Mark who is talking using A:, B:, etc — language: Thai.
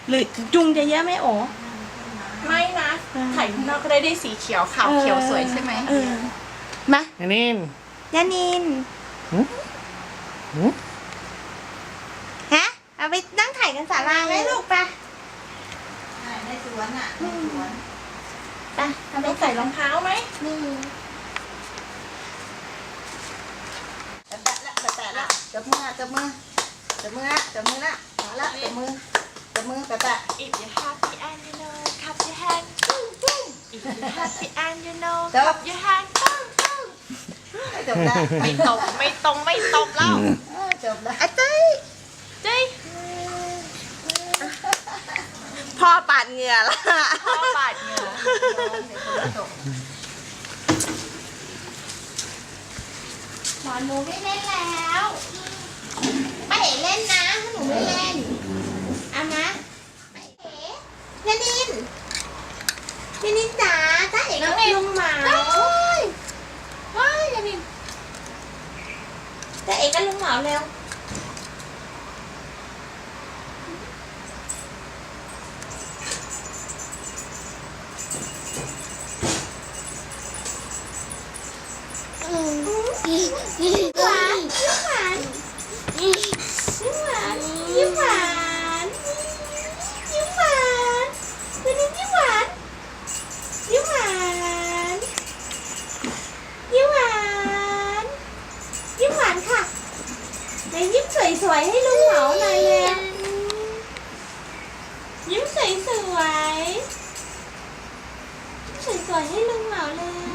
A: หรือจุงจะเยอะไหมโอ
B: ไม่นะถ่ายข้างนอกก็ได้สีเขียวขาวเขียวสวยใช่ไหม
A: มา
C: อันนี้
A: ยานินฮะเอาไปนั่งถ่ายกันศาลาไหมลูกไป
D: ในสวนอ่ะในสวน
A: ไปเอา
B: ต้
A: ไป
B: องใส่รองเท้าไหม
A: นี่
D: แตะละจับมือจับมือจับมือละจับมือละมาละจับมือแตะ
B: If you're happy and you know clap your hand ปุ้งปุ้ง If you're happy and you know
D: จับ
B: clap your hand ปุ้งปุ้ง
D: จบละ
B: ไม่ตรงไม่ตรงไม่ตรงแล้ว
D: จบละ
A: อาเต้ย
B: เจ้ย
A: พ่อปาดเหงื่อละ
B: พ่อบาดเหงื่อ
A: หมอหนูไม่เล่นแล้วป้าเอ๋เล่นนะถ้าหนูไม่เล่นเอานะป้าเอ๋ยานินยานินจ๋าจ้าเอ๋กับลุงหมาว้ายยานินจ้าเอ๋กับลุงหมาเร็วยิ้มหวานยิ้มหวานยิ้มหวานยิ้มหวานยิ้มหวานวันนี้ยิ้มหวานยิ้มหวานยิ้มหวานยิ้มหวานค่ะไหนยิ้มสวยๆให้ลุงเหมาหน่อยเลยยิ้มสวยๆยิ้มสวยๆให้ลุงเหมาเลย